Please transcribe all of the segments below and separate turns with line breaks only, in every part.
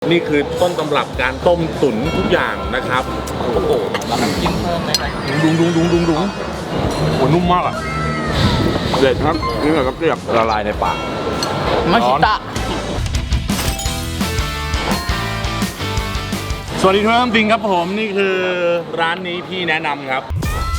นี่คือต้นตำรับการต้มตุ๋นทุกอย่างนะครับโอ้โห
แล้วมันกินเพิ่มไหมครับ
ดุงโอ้นุ่มมากอ่ะเด็ดครับนี่แบบเกลียบละลายในปาก
มาชิตะ
สวัสดีทุกท่านจริงครับผมนี่คือร้านนี้พี่แนะนำครับ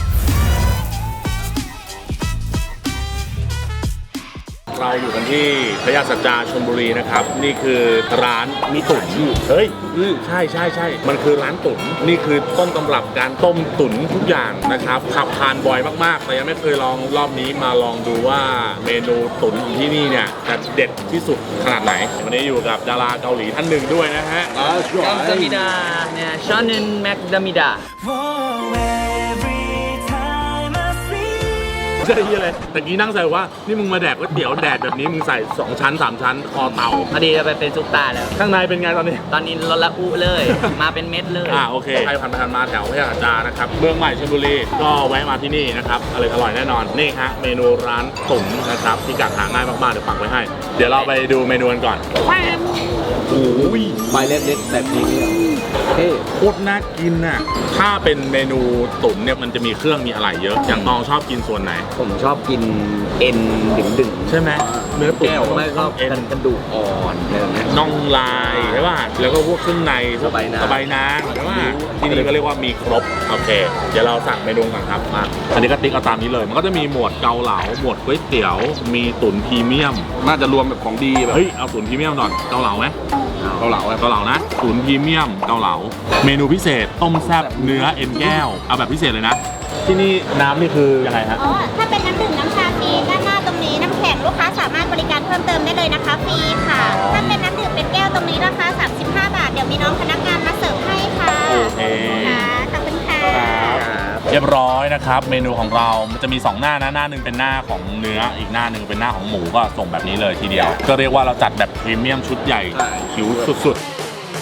เราอยู่กันที่พระยาสัจจาชลบุรีนะครับนี่คือร้านมีตุ๋นเฮ้ยใช่มันคือร้านตุ๋นนี่คือต้นตำรับการต้มตุ๋นทุกอย่างนะครับขับผ่านบ่อยมากๆแต่ยังไม่เคยลองรอบนี้มาลองดูว่าเมนูตุ๋นของที่นี่เนี่ยจะเด็ดที่สุดขนาดไหนวันนี้อยู่กับดาราเกาหลีท่านหนึ่งด้วยนะฮะ
กัมซามิดาเนี่ยชานินแมคดามิดา
ใช่ยี่เลยแต่กี้นั่งใส่ว่านี่มึงมาแดกก๋วยเตี๋ยวแดดแบบนี้มึงใส่2ชั้น3ชั้นคอเต่า
พอดีจะไปเป็นซุปตาแล้ว
ข้างในเป็นไงตอนนี้
ลดละอุเลยมาเป็นเม็ดเลย
โอเคใครผ่านไปผ่านมาแถวพระยาสัจจานะครับเมืองใหม่ชลบุรีก็แวะมาที่นี่นะครับอร่อยแน่นอนนี่ฮะเมนูร้านตุ๋นนะครับที่กัดหาง่ายมากๆเดี๋ยวปักไว้ให้เดี๋ยวเราไปดูเมนูกันก่อนโอ้ย
ใบเล็กๆแบบนี้
โคตรน่ากินน่ะถ้าเป็นเมนูตุ๋นเนี่ยมันจะมีเครื่องมีอะไรเยอะอย่างตองชอบกินส่วนไหน
ผมชอบกินเอ็นดึงๆ
ใช่ไหมเนื้อตุ๋น
ไม่ชอบเอ็นกระดูกอ่อน
น่องลายใช่ป่ะแล้วก็พวกเครื่องในสบายนางใช่ป่ะที่นี่ก็เรียกว่ามีครบโอเคเดี๋ยวเราสั่งเมนูก่อนครับมาอันนี้ก็ติ๊กเอาตามนี้เลยมันก็จะมีหมวดเกาเหลาหมวดก๋วยเตี๋ยวมีตุ๋นพรีเมียมน่าจะรวมแบบของดีแบบเฮ้ยเอาตุ๋นพรีเมียมหน่อยเกาเหลาไหมเกาเหลานะตุ๋นพรีเมียมเกาเหลาเมนูพิเศษต้มแซ่บเนื้อเอ็นแก้วเอาแบบพิเศษเลยนะที่นี่น้ำนี่คือยังไงฮะ
ถ้าเป็นน้ำดื่มน้ำชาฟรีด้านหน้าตรงนี้น้ำแข็งลูกค้าสามารถบริการเพิ่มเติมได้เลยนะคะฟรีค่ะถ้าเป็นน้ำดื่มเป็นแก้วตรงนี้ราคา35 บาทเดี๋ยวมีน้องพนักงานมาเสิร์ฟให้ค่ะ
โอเค
ขอบคุณค่ะ
เรียบร้อยนะครับเมนูของเรามันจะมี2หน้านะหน้าหนึ่งเป็นหน้าของเนื้ออีกหน้าหนึ่งเป็นหน้าของหมูก็ส่งแบบนี้เลยทีเดียวก็เรียกว่าเราจัดแบบพรีเมียมชุดใหญ่หิวสุดๆ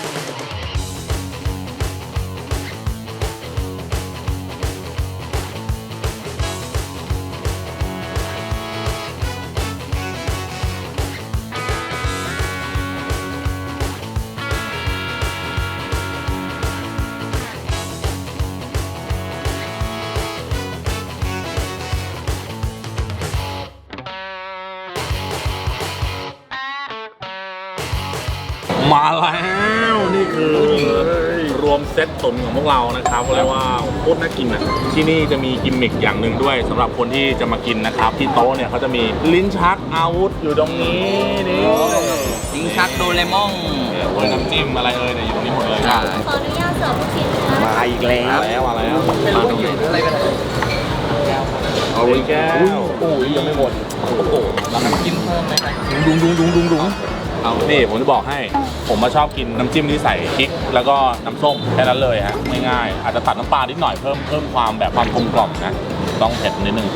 มาแล้วนี่คือรวมเซตตุ๋นของพวกเรานะครับเรียกว่าโคตรน่ากินอ่ะที่นี่จะมีกิมมิคอย่างหนึ่งด้วยสำหรับคนที่จะมากินนะครับที่โต๊ะเนี่ยเขาจะมีลิ้นชักอาวุธอยู่ตรงนี้นี่
ลิ้นชักโดเรมอน
น้ำจิ้มอะไรเนี่ยอยู่ตรงนี้หมดเลย
ขออนุญาตเสิร์ฟลูกชิ้นนะคะ
มาอีกแล้ว
มาแล้ว
ไม่รู้อยู่อะไรกัน
เอาเลยแก้ว
โอ้ยยังไม่หมด
โอ้โห
แล้วมันกินเพิ่มไหมครับ
ดุงเอานี่ผมจะบอกให้ผมมาชอบกินน้ำจิ้มที่ใส่พริกแล้วก็น้ำส้มแค่นั้นเลยฮะง่ายๆอาจจะตัดน้ำปลานิดหน่อยเพิ่มความแบบความกลมกล่อมนะต้องเผ็ดนิดนึง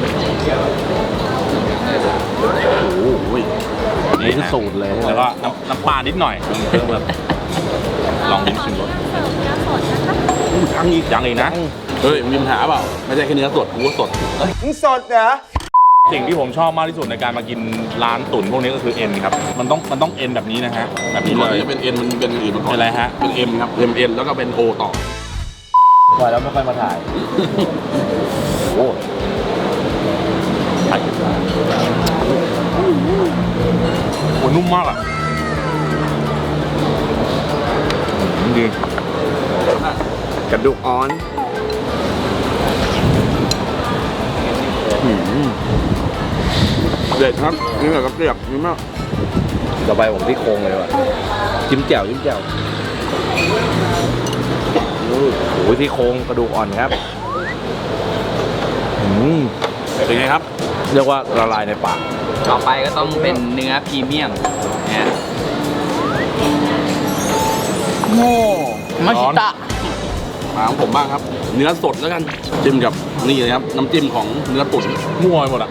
โอ้ยนี่คือสูตรเลยแล้วก็น้ำปลานิดหน่อยเพิ่มแบบลองชิมรสยังอีกนะเฮ้ยมีปัญหาเปล่าไม่ใช่แค่เนื้อสดกูก็สด
มึงสดเหรอ
สิ่งที่ผมชอบมากที่สุดในการมากินร้านตุ๋นพวกนี้ก็คือเอ็นครับมันต้องเอ็นแบบนี้นะฮะแบบนี้เลย
เป็นเอ็นมันเป็นอื่นมาก่อน
เป็นอะไรฮะ
เป็นเอ็มครับเอ็นแล้วก็เป็นโอต่อ
ปล่อยแล้วไม่ค่อยมาถ่ายโอ้ถ่ายโหนุ่มมากอ่ะดี
กระดูกอ่อนเด็ดครับนี่แบบเกลียบนี่มากต่อไปผมที่โครงเลยว่ะจิ้มแจ่วโอ้ยที่โครงกระดูกอ่อนครับ
เป็นไงครับ
เรียกว่าละลายในปาก
ต่อไปก็ต้องเป็นเนื้อพรีเมียมนะโม่มาชิตะ
มาของผมบ้างครับเนื้อสดแล้วกันจิ้มกับนี่เลยครับน้ำจิ้มของเนื้อตุ๋น
มั่วไปหมดอ่ะ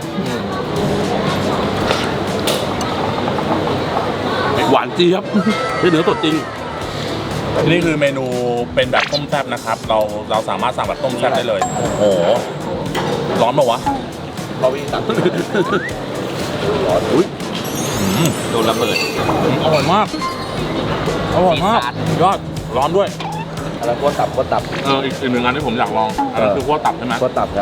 หวานจี๊ครับเนื้อสดจริง
นี่คือเมนูเป็นแบบต้มแซ่บนะครับเราสามารถสั่งแบบต้มแซ่บได้เลยโอ้โหร้อนป่าวะ
เราวิ่งตัดร้อนอุ้ย
โดนระเบิดอร่อยมากอร่อยมาก
ซีซาร์
ยอดร้อนด้วย
อะไรพวกตับ
อีกหนึ่งอันที่ผมอยากลองอันนั้นคือพวกตับใช่ไหม
พวกตับครับ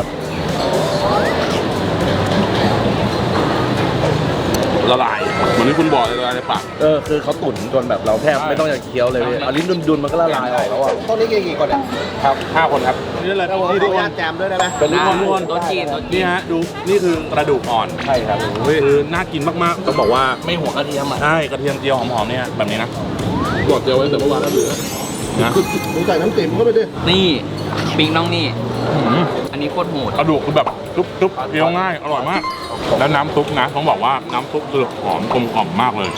ละลายเหมือนที่คุณบอกเลยละลายในปาก
คือเขาตุ๋นจนแบบเราแทบไม่ต้องอยากเคี้ยวเลยพี่เอาลิ้นดุนๆมันก็ละลายออกแล้วอ่ะ
ต้นนี้กี่คนเนี่ย
ครับ5 คนครับนี่เลย
นี่ทุกคนแจมด้วยได้ไหม
เป็นลิ้น
ทุก
ดุ
คน
โต๊ะจีนโต๊ะจี
นี่
น
ฮะดูนี่คือกระดูกอ่อน
ใช่ครับ
คือน่ากินมากๆต้องบอกว่า
ไม่หัวกระเทียมอ่ะ
ใช่กระเทียมเจียวหอมๆเนี่ยแบบนี้นะ
บอกเจียวไว้แต่เมื่อวานแล้วเหลือ
นะ
มึงใส่น้ำติ๋มเข้าไปดิ
นี่ปิงน้องนี่
อืม
อันนี้โคตรโหด
กระดูกคือแบบซุปเคี้ยวง่ายอร่อยมาก แล้วน้ำซุปนะต้องบอกว่าน้ำซุปคือหอมกลมกล่อมมากเลย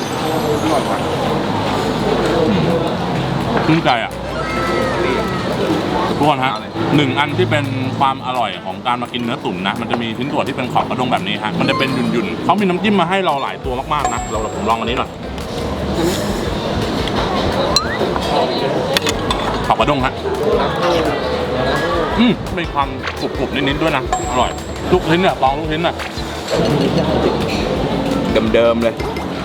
ชื่นใจอ่ะทุกคนฮะหนึ่งอันที่เป็นความอร่อยของการมากินเนื้อตุ๋นนะมันจะมีชิ้นส่วนที่เป็นขอบกระด้งแบบนี้ฮะมันจะเป็นหยุ่นๆเขามีน้ำจิ้มมาให้เราหลายตัวมากๆนะผมลองอันนี้หน่อยขอบกระด้งฮะมีความกรุบๆนิดๆด้วยนะอร่อยทุกชิ้นเนี่ยลองทุกชิ้นน่ะ
เดิมๆเลย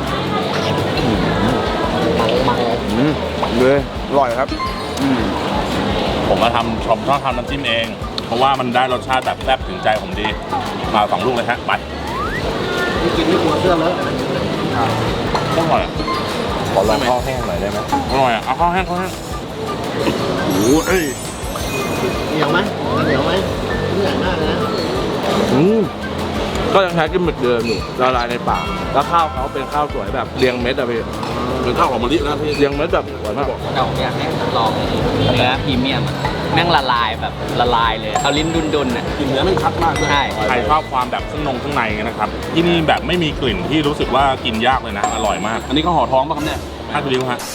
เลยอร่อยครับ
ผมมาผมชอบทำน้ำจิ้มเอง เพราะว่ามันได้รสชาติแบบแซ่บถึงใจผมดีมา2 ลูกเลยฮะไป
นี่กินไม่กลัวเสื้อเลอะ
อร่อยอะ
ขอลองข้าวแห้งหน่อยได้ไหม
อร่อยอ่ะเอาข้าวแห้งโอ้ย
เหนียวไหมเหนียวไหมนี่ใหญ่มากเลยนะ
ก็ยังใช้กิมมิคเดิมอยู่ละลายในปากแล้วข้าวเขาเป็นข้าวสวยแบบเรียงเม็ดอะพี่
เป็นข้าวหอมมะลินะพี่
เรียงเม็ดแบบสวยมาก
เก่าอยากให้ลองเนื้อพรีเมียมอะแม่งละลายแบบละลายเลยเอาลิ้นดุนๆอ่ะ
กินเนื้อไม่ชัดมากด้วย
ใช่
ใครชอบความแบบข้างในนะครับที่นี่แบบไม่มีกลิ่นที่รู้สึกว่ากินยากเลยนะอร่อยมาก
อันนี้ก็ห่อท้องป่ะครับเนี่ย
ถ้าดูดิวฮะ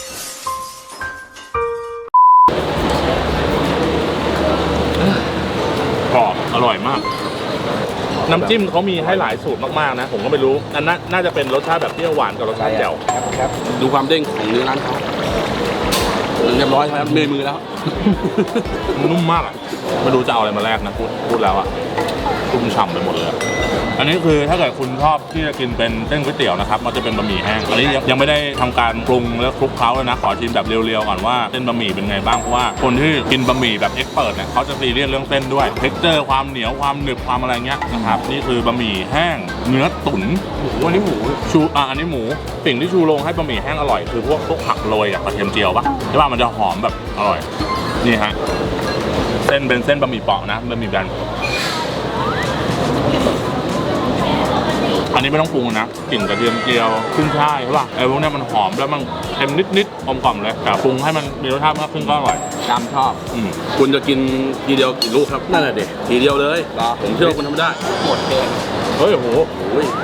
กรอบอร่อยมาก น้ำจิ้มเขามีให้หลายสูตรมากๆนะ ผมก็ไม่รู้อันนั้นน่าจะเป็นรสชาติแบบเปรี้ยวหวานกับรสชาติแจ่ว
ดูความเด้งของเนื้อร้านเขาเรียบร้อยครับเมยมือแล้ว
นุ่มมากอ่ะไม่รู้จะเอาอะไรมาแลกนะพูดแล้วอ่ะชุ่มฉ่ำไปหมดเลยอะอันนี้คือถ้าเกิดคุณชอบที่จะกินเป็นเส้นก๋วยเตี๋ยวนะครับมันจะเป็นบะหมี่แห้งอันนี้ยังไม่ได้ทำการปรุงและคลุกเคล้าเลยนะขอชิมแบบเรียวๆก่อนว่าเส้นบะหมี่เป็นไงบ้างเพราะว่าคนที่กินบะหมี่แบบเอ็กซ์เปิร์เนี่ยเขาจะซีเรียสเรื่องเส้นด้วยเท็กเจอร์ความเหนียวความหนึบความอะไรเงี้ยนะครับนี่คือบะหมี่แห้งเนื้อตุ๋นอันนี้หมูอันนี้หมูสิ่งที่ชูโรงให้บะหมี่แห้งอร่อยคือพวกผักโรยกับกระเทียมเจียวปะใช่ป่ะมันจะหอมแบบอร่อยนี่ฮะเส้นเป็นเส้นบะหมี่เปาะนะบะหมี่แบนอันนี้ไม่ต้องปรุงนะกลิ่นกระเทียมเจียวขึ้นช่ายใช่ป่ะไอ้พวกนี้มันหอมแล้วมันเค็มนิดๆกลมกล่อมเลยแต่ปรุงให้มันมีรสชาติมากขึ้นก็อร่อย
จำชอบ
คุณจะกินทีเดียวกี่ลูกครับนั่นแหละเด็กทีเดียวเลย
เหรอ
ผมเชื่อว่าคุณทำได้
หมดเลย
เฮ้ยโห
โอ้ย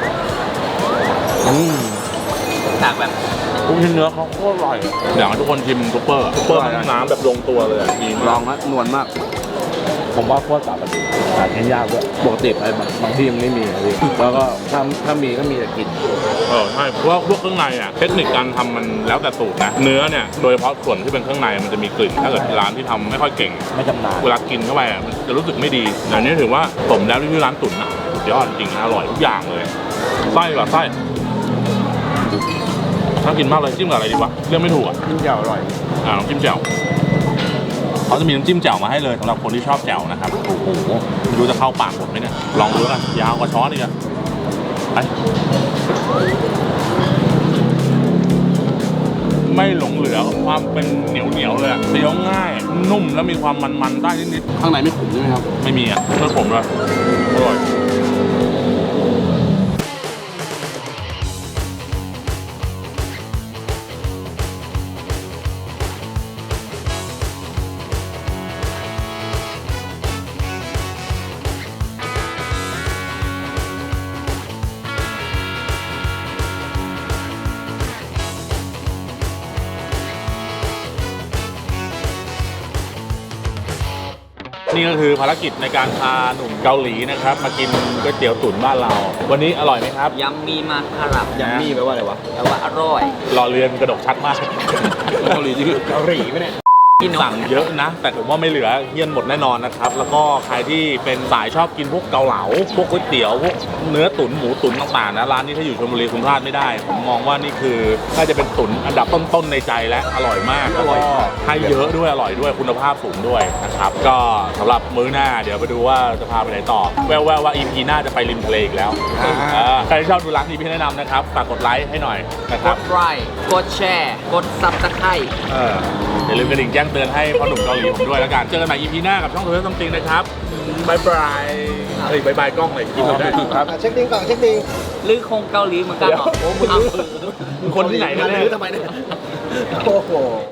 จากแบบ
ทุกชิ้นเนื้อเขาโคตรอร่อยอยากให้ทุกคนชิมซุปเปอร์น้ำแบบลงตัวเลยดี
ล
มา
อก งนะนวลมาก ผมว่าขั้วตับมันหากินยากด้วยปกติไอ้บางที่มันไม่มีอะพี่แล้วก็ถ้ามีก็มีแต่กลิน
ใช่เพราะว่าพวกเครื่องในอ่ะเทคนิคการทำมันแล้วแต่สูตรนะเนื้อเนี่ยโดยเฉพาะส่วนที่เป็นเครื่องในมันจะมีกลิ่นถ้าเกิดร้านที่ทำไม่ค่อยเก่ง
ไม่จำนาน
เวลากินเข้าไปอ่ะมันจะรู้สึกไม่ดีแต่อันนี้ถือว่าสมแล้วที่ชื่อร้านตุ๋นนะสุดยอดจริงนะอร่อยทุกอย่างเลยไส้แบบไส้น่ากินมากเลยจิ้มกับอะไรดีวะเรื่องไม่ถูกอ่ะ
กินเจียวอร่อย
น้ำจิ้มแจ่วเขาจะมีน้ำจิ้มแจ่วมาให้เลยสำหรับคนที่ชอบแจ่วนะครับโอ้โหไม่รู้จะเข้าปากผมไหมเนี่ยลองดูแล้วกันยาวกว่าช้อนอีกอะไปไม่หลงเหลือความเป็นเหนียวเลยอะเคี้ยวง่ายนุ่มแล้วมีความมันๆได้นิด
ข้างในไม่ขมใช่ไหมครับ
ๆไม่มีอ่ะไม่ขมเลยอร่อยนี่ก็คือภารกิจในการพาหนุ่มเกาหลีนะครับมากินก๋วยเตี๋ยวตุ๋นบ้านเรา วันนี้อร่อยไหมครับ
ยัมมีมาคารับ
ยัมมี่แปลว่าอะไรวะ
แปลว่าอร่อย
รอเรือนกระดกชัดมาก
เกาหลีจริง
เกาหลีไหมเนี่ย
กิน
สั่งเยอะนะ แต่ผมว่าไม่เหลือเฮี้ยนหมดแน่นอนนะครับ แล้วก็ใครที่เป็นสายชอบกินพวกเกาเหลาพวกก๋วยเตี๋ยวพวกเนื้อตุ๋นหมูตุ๋นต่างๆนะร้านนี้ถ้าอยู่ชลบุรีคุณพลาดไม่ได้ ผมมองว่านี่คือน่าจะเป็นตุ๋นอันดับต้นๆในใจและอร่อยมากแล้วก็ให้เยอะด้วยอร่อยด้วยคุณภาพสูงด้วยนะครับก็สำหรับมื้อหน้าเดี๋ยวไปดูว่าจะพาไปไหนต่อแววๆว่า EP หน้าจะไปริมทะเลอีกแล้วใครที่ชอบดูร้านนี้พี่แนะนำนะครับฝากกดไลค์ให้หน่อยนะค
ก
รับ
ดไลค์กดแชร์กดซับสไครต์
อย่าลืมกระดิ่งแจ้งเตือนให้พ่อหนุ่มเกาหลีผมด้วยแล้วกัน เจอกันใหม่ EP หน้ากับช่องโทรทัศน์ซัมติงนะครับบายบายเฮ้ยบายบายกล้องเลยกินได้ครับ
เช็คดิ้งก่อนเช็คดิ้ง
หรือคงเกาหลีเหมือนกันเหรอ
มึงคนที่ไหน
มา
แน่
ลื้อทำไมเนี่ยโอ้โห